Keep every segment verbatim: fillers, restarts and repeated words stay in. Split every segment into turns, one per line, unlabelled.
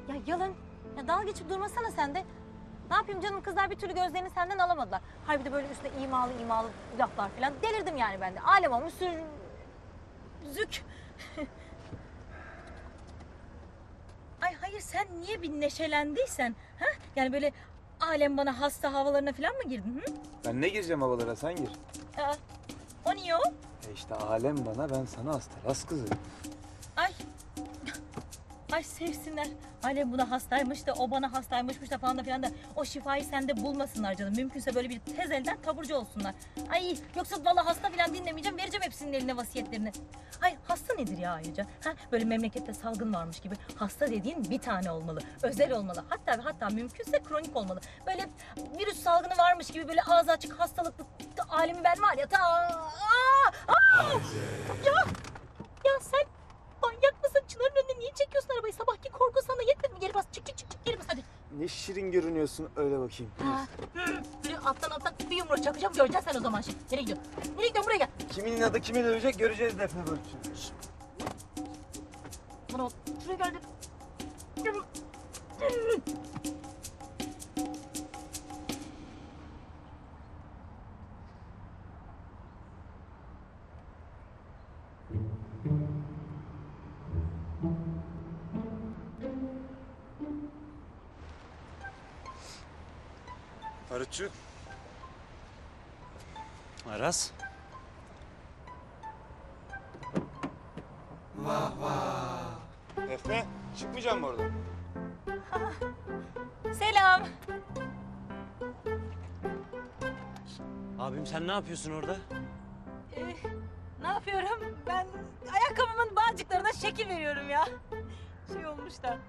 Ya Yalın, ya dalga geçip durmasana sen de. Ne yapayım canım, kızlar bir türlü gözlerini senden alamadılar. Hayır bir de böyle üstüne imalı imalı laflar falan. Delirdim yani ben de. Alem olmuş sür... Zük. Ay hayır, sen niye bir neşelendiysen? Ha? Yani böyle alem bana hasta havalarına falan mı girdin? Hı?
Ben ne gireceğim havalara, sen gir.
Aa, o niye o?
E işte alem bana, ben sana hasta. Ras kızı.
Ay. Ay sevsinler. Alem buna hastaymış da o bana hastaymışmış da falan da filan da o şifayı sende bulmasınlar canım. Mümkünse böyle bir tez elden taburcu olsunlar. Ay yoksa vallahi hasta filan dinlemeyeceğim. Vereceğim hepsinin eline vasiyetlerini. Ay hasta nedir ya ayrıca? Ha, böyle memlekette salgın varmış gibi. Hasta dediğin bir tane olmalı. Özel olmalı. Hatta ve hatta mümkünse kronik olmalı. Böyle virüs salgını varmış gibi böyle ağzı açık hastalıklı alemi ben var ya. Ta, aa, aa, ya, ya sen manyak mısın? Çınarın önüne niye çekiyorsun arabayı? Sabahki korku sana yetmedi mi? Geri bas, çık çık çık çık, geri bas hadi.
Ne şirin görünüyorsun, öyle bakayım.
Ha, hı, böyle alttan alttan bir yumruk çakacağım, göreceksin sen o zaman şimdi. Nereye gidiyorsun? Nereye gidiyorsun? Buraya gel.
Kimin adı kimi dövecek göreceğiz Defne Barutçu.
Bana bak, şuraya gel dedim.
Barutçu.
Aras.
Defne, çıkmayacağım mı oradan?
Selam.
Abim sen ne yapıyorsun orada?
Ee, ne yapıyorum? Ben ayakkabımın bağcıklarına şekil veriyorum ya. Şey olmuş da.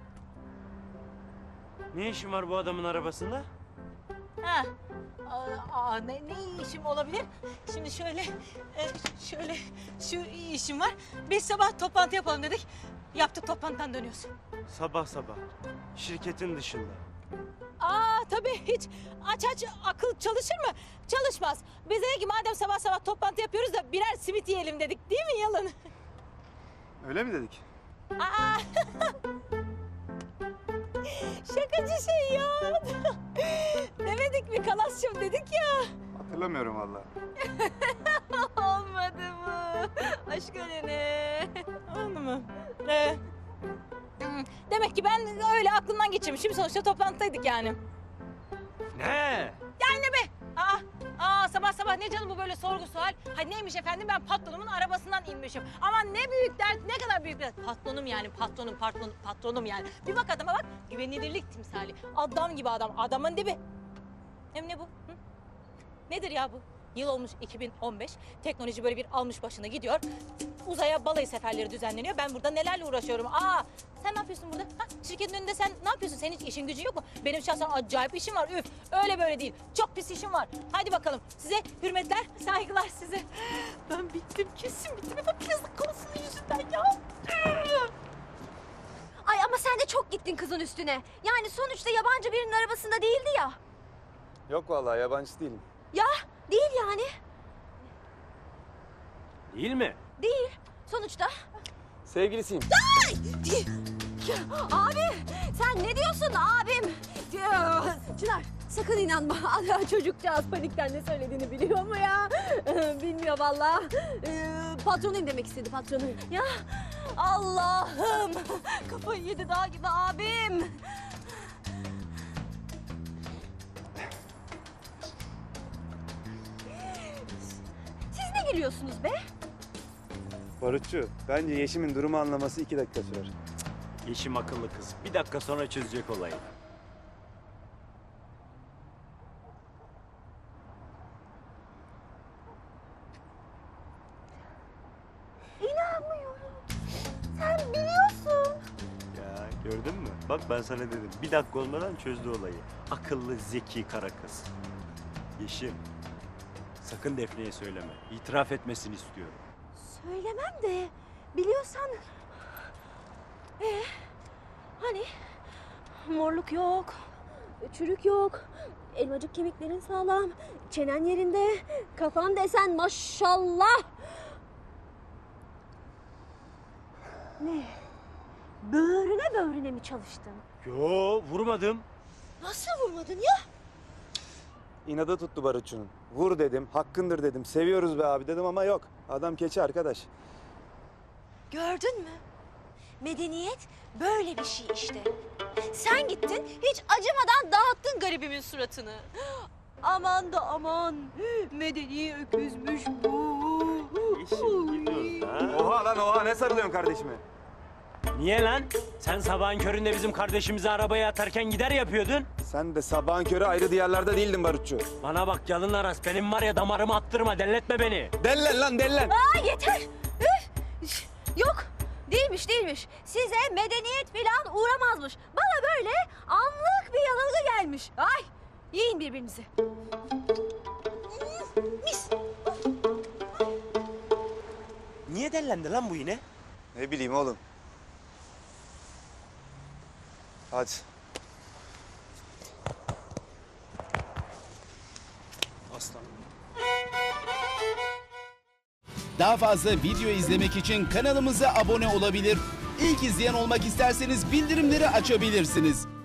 Ne işin var bu adamın arabasında?
Ha. Aa, aa, ne, ne işim olabilir? Şimdi şöyle, e, şöyle şu işim var. Biz sabah toplantı yapalım dedik. Yaptık, toplantıdan dönüyoruz.
Sabah sabah. Şirketin dışında.
Aa tabii, hiç aç aç akıl çalışır mı? Çalışmaz. Biz dedik ki madem sabah sabah toplantı yapıyoruz da birer simit yiyelim dedik, değil mi Yalın?
Öyle mi dedik?
Aa! Şakacı şey ya. Demedik mi kalasçım dedik ya.
Hatırlamıyorum vallahi.
Olmadı mı? Aşk ölene. Oldu mu? Ee, hmm, demek ki ben öyle aklımdan geçirmişim. Sonuçta toplantıdaydık yani.
Ne?
Yani ne be? Aa, aa sabah sabah ne canım bu böyle sorgu sual? Ha neymiş efendim, ben patronumun arabasından inmişim. Aman ne büyük dert, ne kadar büyük dert. Patronum yani, patronum, patron, patronum yani. Bir bak adama bak, güvenilirlik timsali. Adam gibi adam, adamın dibi. Hem ne bu? Hı? Nedir ya bu? Yıl olmuş iki bin on beş. Teknoloji böyle bir almış başına gidiyor. Uzaya balayı seferleri düzenleniyor. Ben burada nelerle uğraşıyorum. Aa, sen ne yapıyorsun burada? Ha? Şirketin önünde sen ne yapıyorsun? Senin hiç işin gücün yok mu? Benim şahsen acayip işim var. Üf, öyle böyle değil. Çok pis işim var. Hadi bakalım. Size hürmetler, saygılar size. Ben bittim, kesin bittim. Hep plastik konusunun yüzünden ya.
Ay ama sen de çok gittin kızın üstüne. Yani sonuçta yabancı birinin arabasında değildi ya.
Yok vallahi, yabancı değilim.
Ya değil yani.
Değil mi?
Değil. Sonuçta.
Sevgilisiyim.
Ya, abi sen ne diyorsun abim? Ya, Çınar sakın inanma. Çocukcağız panikten ne söylediğini biliyor mu ya? Bilmiyor vallahi. Ee, patronuyum demek istedi, patronuyum. Ya Allah'ım. Kafayı yedi dağ gibi abim. Siz ne gülüyorsunuz be?
Barutçu, bence Yeşim'in durumu anlaması iki dakika sürer.
Yeşim akıllı kız. Bir dakika sonra çözecek olayı.
İnanmıyorum. Sen biliyorsun.
Ya gördün mü? Bak ben sana dedim. Bir dakika olmadan çözdü olayı. Akıllı, zeki kara kız. Yeşim. Sakın Defne'ye söyleme. İtiraf etmesini istiyorum.
Söylemem de biliyorsan... Ee, hani morluk yok, çürük yok, elmacık kemiklerin sağlam, çenen yerinde, kafan desen maşallah. Ne? böğrüne böğrüne mi çalıştın?
Yo vurmadım.
Nasıl vurmadın ya?
İnadı tuttu barutçunun. Vur dedim, hakkındır dedim, seviyoruz be abi dedim ama yok. Adam keçi arkadaş.
Gördün mü? Medeniyet böyle bir şey işte. Sen gittin hiç acımadan dağıttın garibimin suratını. Aman da aman medeni öküzmüş bu.
Yeşim gidiyoruz ha.
Oha lan oha, ne sarılıyorsun kardeşime?
Niye lan? Sen sabahın köründe bizim kardeşimizi arabaya atarken gider yapıyordun.
Sen de sabahın körü ayrı diyarlarda değildin barutçu.
Bana bak yalın aras, benim var ya damarımı attırma, delletme beni.
Dellen lan dellen.
Aa yeter. Üf! Yok değilmiş değilmiş. Size medeniyet falan uğramazmış. Bana böyle anlık bir yanılgı gelmiş. Ay yiyin birbirinizi. Mis.
Niye dellendi lan bu yine?
Ne bileyim oğlum. Hadi.
Aslan.
Daha fazla video izlemek için kanalımıza abone olabilir. İlk izleyen olmak isterseniz bildirimleri açabilirsiniz.